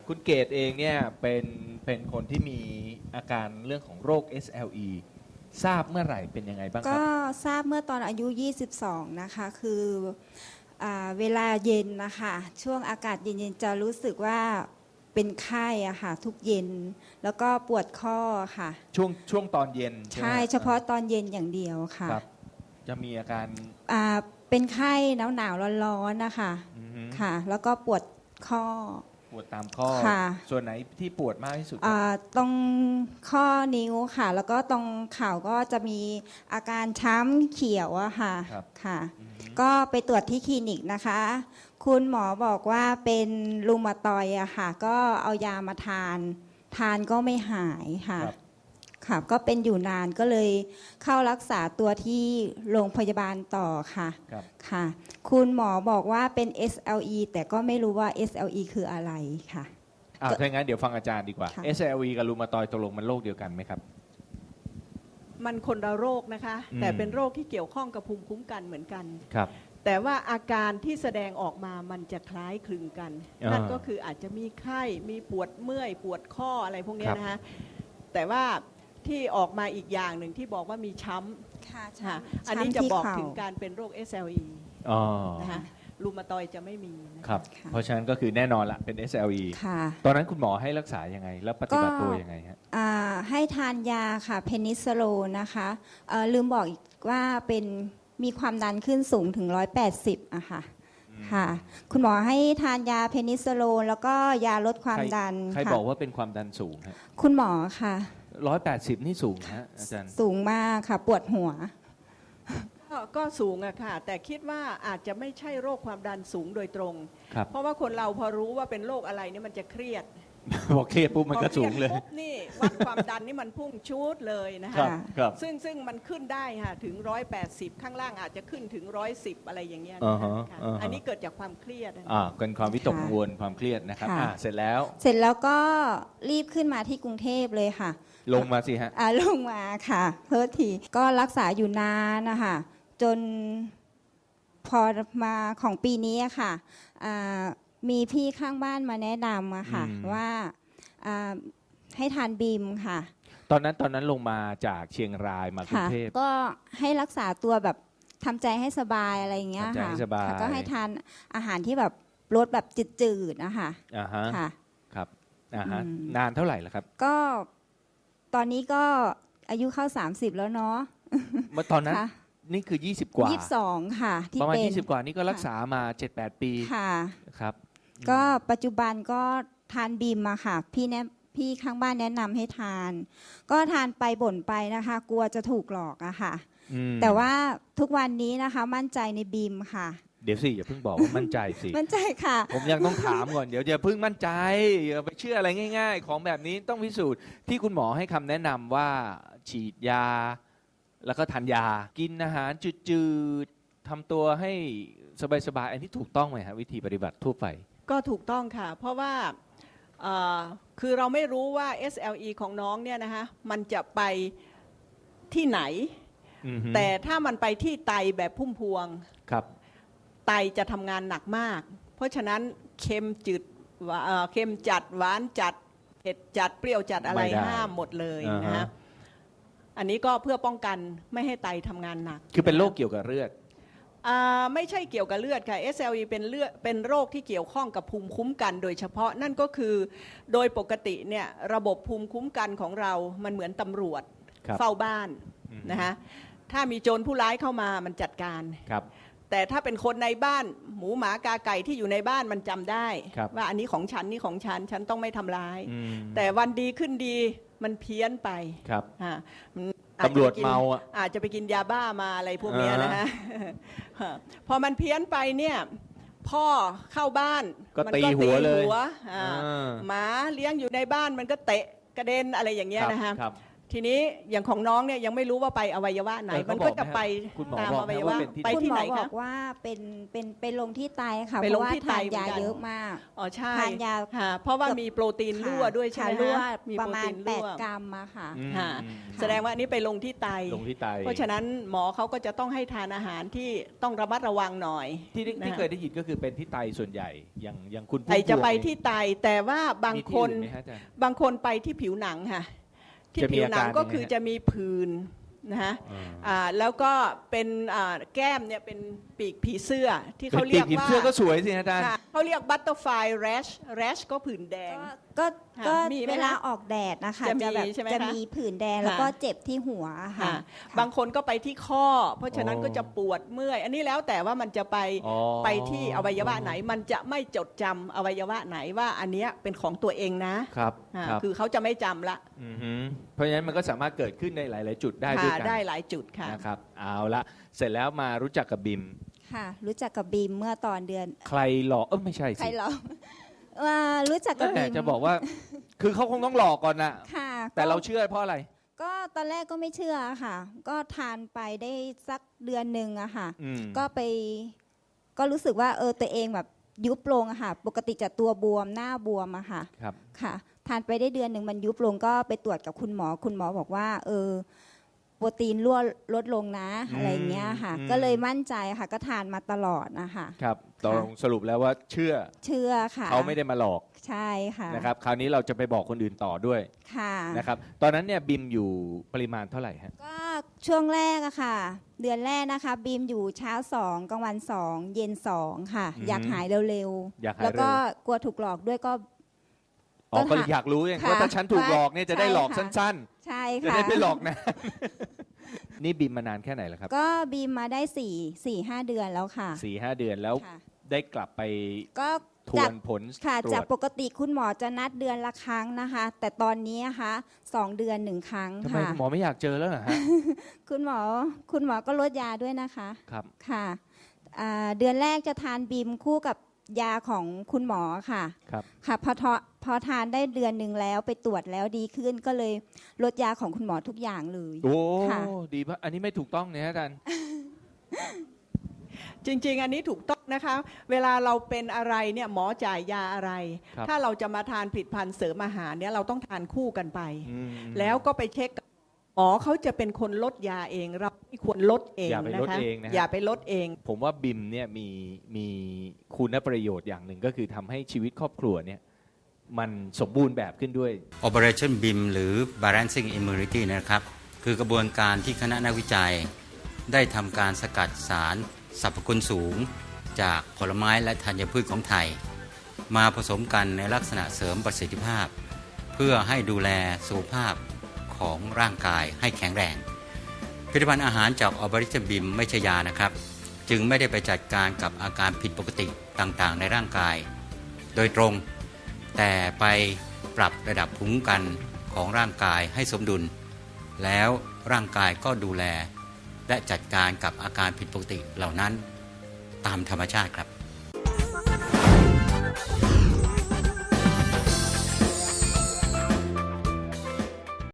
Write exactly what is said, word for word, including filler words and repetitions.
คุณเกตเองเนี่ยเป็นเป็นคนที่มีอาการเรื่องของโรค เอส แอล อี ทราบเมื่อไหร่เป็นยังไงบ้างครัก็บทราบเมื่อตอนอายุ ยี่สิบสอง นะคะ คืออ่าเวลาเย็นนะคะ ช่วงอากาศเย็นๆ จะรู้สึกว่าเป็นไข้อะค่ะ ทุกเย็น แล้วก็ปวดข้อค่ะช่วงช่วงตอนเย็นใช่ไหมใช่ฮเฉพาะตอนเย็นอย่างเดียวค่ะครับ จะมีอาการอ่าเป็นไข้หนาวๆ ร้อนๆ นะคะอือฮึค่ะ แล้วก็ปวดข้อปวดตามข้อค่ะส่วนไหนที่ปวดมากที่สุดครับอ่าตรงข้อนิ้วค่ะ แล้วก็ตรงเข่าก็จะมีอาการช้ำเขียวอะค่ะครับค่ะอือฮึก็ไปตรวจที่คลินิกนะคะ คุณหมอบอกว่าเป็นรูมาตอยด์อะค่ะ ก็เอายามาทาน ทานก็ไม่หายค่ะครับค่ะ ก็เป็นอยู่นานก็เลยเข้ารักษาตัวที่โรงพยาบาลต่อค่ะครับค่ะ คุณหมอบอกว่าเป็น เอส แอล อี แต่ก็ไม่รู้ว่า เอส แอล อี คืออะไรค่ะอ่าถ้าอย่างนั้นเดี๋ยวฟังอาจารย์ดีกว่าค่ะเอส แอล อี กับรูมาตอยด์ตกลงมันโรคเดียวกันไหมครับมันคนละโรคนะคะอืมแต่เป็นโรคที่เกี่ยวข้องกับภูมิคุ้มกันเหมือนกันครับแต่ว่าอาการที่แสดงออกมามันจะคล้ายคลึงกันอ่านั่นั่นก็คืออาจจะมีไข้มีปวดเมื่อยปวดข้ออะไรพวกเนี้คยรับนะคะแต่ว่าที่ออกมาอีกอย่างหนึ่งที่บอกว่ามีช้ค่ะำค่ะช้ำอันนี้จะที่บอกเข่าถึงการเป็นโรค เอส แอล อีอ๋อนะคะรูมาตอยด์จะไม่มีนะะครับค่ะเพราะฉะนั้นก็คือแน่นอนละเป็น เอส แอล อีค่ะตอนนั้นคุณหมอให้รักษายังไง แล้วปฏิบัติก็ตัวยังไงฮะอ่าให้ทานยาค่ะเพนิซิลลินนะคะเอ่อลืมบอกอีกว่าเป็นมีความดันขึ้นสูงถึงหนึ่งร้อยแปดสิบอะค่ะค่ะ คุณหมอให้ทานยาเพนิซิลลินแล้วก็ยาลดความใครดันใครค่ะบอกว่าเป็นความดันสูงฮะคุณหมอค่ะร้อยแปดสิบนี่สูงฮะอาจารย์สูงมากค่ะ ปวดหัวก็ก็สูงอะค่ะ แต่คิดว่าอาจจะไม่ใช่โรคความดันสูงโดยตรงครับเพราะว่าคนเราพอรู้ว่าเป็นโรคอะไรเนี่ยมันจะเครียดพอเครียดปุ๊บมันก็สูงเลยพอครีดปุ๊บนี่วัดความดันนี่มันพุ่งชูดเลยนะครัคะบครับซึ่งซึ่งมันขึ้นได้ค่ะถึงร้อยแปดสิบข้างล่างอาจจะขึ้นถึงร้อยสิบอะไรอย่างเงี้ยอ่านะฮะคะอ่าฮะอันนี้เกิดจากความเครียดนะอ่าเป็นความวิตกค่ะกังวลความเครียดนะครับค่ะอ่าเสร็จแล้วเสร็จแล้วก็รีบขึ้นมาที่กรุงเทพเลยค่ะลงมาสิฮะอ่าลงมาค่ะเพิ่ทีก็รักษาอยู่นานนะคะจนพอมาของปีนี้อะค่ะอ่ามีพี่ข้างบ้านมาแนะนำอะค่ะอืมว่าอ่าให้ทานบีมค่ะตอนนั้นตอนนั้นลงมาจากเชียงรายมากรุค่ะงเทพก็ให้รักษาตัวแบบทำใจให้สบายอะไรอย่างเงี้ยทำใจค่ะให้สบายค่ะก็ให้ทานอาหารที่แบบรสแบบจืดๆนะคะอ่าฮะค่ะครับอ่าฮะอืมนานเท่าไหร่แล้วครับก็ตอนนี้ก็อายุเข้า สามสิบ แล้วเนาะเมื่อตอนนั้นค่ะนี่คือ ยี่สิบ กว่ายี่สิบสองค่ะ ที่ประมาณเป็นยี่สิบ กว่านี่ก็รักษามา เจ็ดแปด ปีค่ะครับก็ปัจจุบันก็ทานบีมมาค่ะ พี่แนะพี่ข้างบ้านแนะนำให้ทาน ก็ทานไปบ่นไปนะคะ กลัวจะถูกหลอกอะค่ะอืมแต่ว่าทุกวันนี้นะคะ มั่นใจในบีมค่ะเดี๋ยวสิอย่าเพิ่งบอกว่ามั่นใจสิมั่นใจค่ะผมยังต้องถามก่อนเดี๋ยวอย่าเพิ่งมั่นใจอย่าไปเชื่ออะไรง่าย ๆ ของแบบนี้ต้องพิสูจน์ที่คุณหมอให้คำแนะนำว่าฉีดยา แล้วก็ทานยา กินอาหารจืดๆทำตัวให้สบายๆอันนี้ถูกต้องไหมฮะวิธีปฏิบัติทั่วไปก็ถูกต้องค่ะ เพราะว่าเอ่อคือเราไม่รู้ว่า เอส แอล อี ของน้องเนี่ยนะคะมันจะไปที่ไหนอือฮึแต่ถ้ามันไปที่ไตแบบพุ่มพวงครับไตจะทำงานหนักมาก เพราะฉะนั้นเค็มจืดหวาเอ่อเค็มจัดหวานจัดเผ็ดจัดเปรี้ยวจัดอะไรไม่ได้ห้ามหมดเลยอ่าฮะนะฮะอันนี้ก็เพื่อป้องกันไม่ให้ไตทำงานหนักคือเป็นโรคเกี่ยวกับเลือดอ่าไม่ใช่เกี่ยวกับเลือดค่ะ เอส แอล อี เป็นเลือดเป็นโรคที่เกี่ยวข้องกับภูมิคุ้มกันโดยเฉพาะนั่นก็คือโดยปกติเนี่ยระบบภูมิคุ้มกันของเรามันเหมือนตำรวจครับเฝ้าบ้านอืมนะคะถ้ามีโจรผู้ร้ายเข้ามามันจัดการครับแต่ถ้าเป็นคนในบ้านหมูหมากาไก่ที่อยู่ในบ้านมันจำได้ครับว่าอันนี้ของฉันนี่ของฉันฉันต้องไม่ทำร้ายอืมแต่วันดีขึ้นดีมันเพี้ยนไปครับอ่ามันอาจตำรวจจะไปกินเมาอ่ะอาจจะไปกินยาบ้ามาอะไรพวกเนี้ยนะฮะ พอมันเพี้ยนไปเนี่ยพ่อเข้าบ้านก็มัตีหัวเลยหัวอ่าอ่าหมาเลี้ยงอยู่ในบ้านมันก็เตะกระเด็นอะไรอย่างเงี้ยนะฮะครับททีนี้อย่างของน้องเนี่ยยังไม่รู้ว่าไปอวัยวะไหนเออเขามันบก็อกไหมจะไปคุณหมอตามบอกอไหมวัยว่าวะเป็นที่ไปคุณที่หมไหนอบอกคะว่าเป็นเป็นไปลงที่ไตค่ะไปเพลงราะว่าที่ไตทานยาเหมือนกันเยอะมากอ๋อใช่ทานยาค่ะเพราะว่ามีโปรตีนรั่วด้วยใช่ไหมค่ะรั่วฮะมีประโปรมาตีณนแปรั่ดวกรัมอะค่ะอืมค่ะอืมแสดงว่าอันนี้ไปลงที่ไตลงที่ไตเพราะฉะนั้นหมอเขาก็จะต้องให้ทานอาหารที่ต้องระมัดระวังหน่อยที่ได้ที่นะเคยได้ยินก็คือเป็นที่ไตส่วนใหญ่อย่างอย่างคุณพุ่มไตจะไปพวงที่ไตแต่ว่าบางมีคที่นอื่ไหมฮะอาจารย์บางคนไปที่ผิวหนังค่ะที่จะมีผิวอาหนัการงก็ยังไงคือฮะจะมีผื่นนะฮะอ่าอ่าแล้วก็เป็นอ่าแก้มเนี่ยเป็นปีกผีเสื้อที่เขาเป็นเรียกปีผีว่าเสื้อก็สวยสิอาจารย์ค่ะเขาเรียก butterfly rash rash ก็ผื่นแดงก็ค่ะก็มีไหมเวลาคะออกแดดนะคะจะมีแบบใช่ไหมจะคะมีผื่นแดงแล้วก็ค่ะเจ็บที่หัวค่ะค่ะค่ะบางคนก็ไปที่ข้อ เพราะฉะนั้นอ๋อก็จะปวดเมื่อย อันนี้แล้วแต่ว่ามันจะไปอ๋อไปที่อวัยวะไหน มันจะไม่จดจำอวัยวะไหนว่าอันเนี้ยเป็นของตัวเองนะครับ อ่าครับคือเขาจะไม่จำละอือฮึเพราะฉะนั้นมันก็สามารถเกิดขึ้นในหลาย ๆ จุดได้ด้วยค่ะกันได้หลายจุดค่ะนะครับเอาละเสร็จแล้วมารู้จักกับบิมค่ะ รู้จักกับบีมเมื่อตอนเดือนใครหลอกเออไม่ใช่ใครสิเหรอว่ารู้จักกับแม่บีมจะบอกว่า คือเขาคงต้องหลอกก่อนนะค่ะแต่ก็เราเชื่อเพราะอะไรก็ตอนแรกก็ไม่เชื่อค่ะ ก็ทานไปได้สักเดือนหนึ่งอะค่ะอืมก็ไป ก็รู้สึกว่าเออตัวเองแบบยุบลงอะค่ะ ปกติจะตัวบวมหน้าบวมอะค่ะครับค่ะ ทานไปได้เดือนหนึ่งมันยุบลงก็ไปตรวจกับคุณหมอ คุณหมอบอกว่า เออ โปรตีนรั่วลดลงนะอืมอะไรเงี้ยค่ะอืมก็เลยมั่นใจค่ะ ก็ทานมาตลอดนะคะครับตกลงสรุปแล้วว่าเชื่อเชื่อค่ะเขาไม่ได้มาหลอกใช่ค่ะนะครับ คราวนี้เราจะไปบอกคนอื่นต่อด้วยค่ะนะครับ ตอนนั้นเนี่ยบิมอยู่ปริมาณเท่าไหร่ฮะก็ช่วงแรกอะค่ะ เดือนแรกนะคะ บีมอยู่เช้าสองกลางวันสองเย็นสองค่ะอืมอยากหายเร็วอยากหายเร็วแล้วก็กลัวถูกหลอกด้วยก็อ๋อก็ก็หาอยากรู้ไงค่ะว่าถ้าฉันถูกหลอกเนี่ยจะได้ใช่หลอกค่ะสั้นใช่ๆ จะค่ะได้ไม่หลอกนะ นี่บิมมานานแค่ไหนแล้วครับก็บีมมาได้สี่สี่ห้าเดือนแล้วค่ะสี่ห้าเดือนแล้วค่ะได้กลับไปก็ทจาวกนผลค่ะตรจากวจปกติคุณหมอจะนัดเดือนละครั้งนะคะ แต่ตอนนี้นะคะสองเดือนหนึ่งครั้งทำไมค่ะคุณหมอไม่อยากเจอแล้วเหรอฮะคุณหมอคุณหมอก็ลดยาด้วยนะคะครับค่ะอ่าเดือนแรกจะทานบีมคู่กับยาของคุณหมอค่ะครับค่ะพอทอพอทานได้เดือนหนึ่งแล้วไปตรวจแล้วดีขึ้นก็เลยลดยาของคุณหมอทุกอย่างเลยโอ้ค่ะดีปะอันนี้ไม่ถูกต้องเนี่ยฮะอาจารย์จริง ๆ อันนี้ถูกต้องนะคะ เวลาเราเป็นอะไรเนี่ยหมอจ่ายยาอะไรครับถ้าเราจะมาทานผลิตภัณฑ์เสริมอาหารเนี่ยเราต้องทานคู่กันไปอืมแล้วก็ไปเช็คกับหมอเขาจะเป็นคนลดยาเอง เราไม่ควรลดเองอย่าไปนะลดคะเองนะฮะอย่าไปลดเองผมว่าบิมเนี่ยมีมีคุณประโยชน์อย่างหนึ่งก็คือทำให้ชีวิตครอบครัวเนี่ยมันสมบูรณ์แบบขึ้นด้วย Operationบี เอ เอ็ม หรือ Balancing Immunity นะครับ คือกระบวนการที่คณะนักวิจัย ได้ทำการสกัดสารสรรพคุณสูง จากผลไม้และธัญพืชของไทย มาผสมกันในลักษณะเสริมประสิทธิภาพ เพื่อให้ดูแลสุขภาพของร่างกายให้แข็งแรง ผลิตภัณฑ์อาหารจาก Operationบี เอ็ม ไม่ใช่ยานะครับ จึงไม่ได้ไปจัดการกับอาการผิดปกติต่างๆ ในร่างกาย โดยตรง แต่ไปปรับระดับภูมิคุ้มกันของร่างกายให้สมดุล แล้วร่างกายก็ดูแล และจัดการกับอาการผิดปกติเหล่านั้นตามธรรมชาติครับ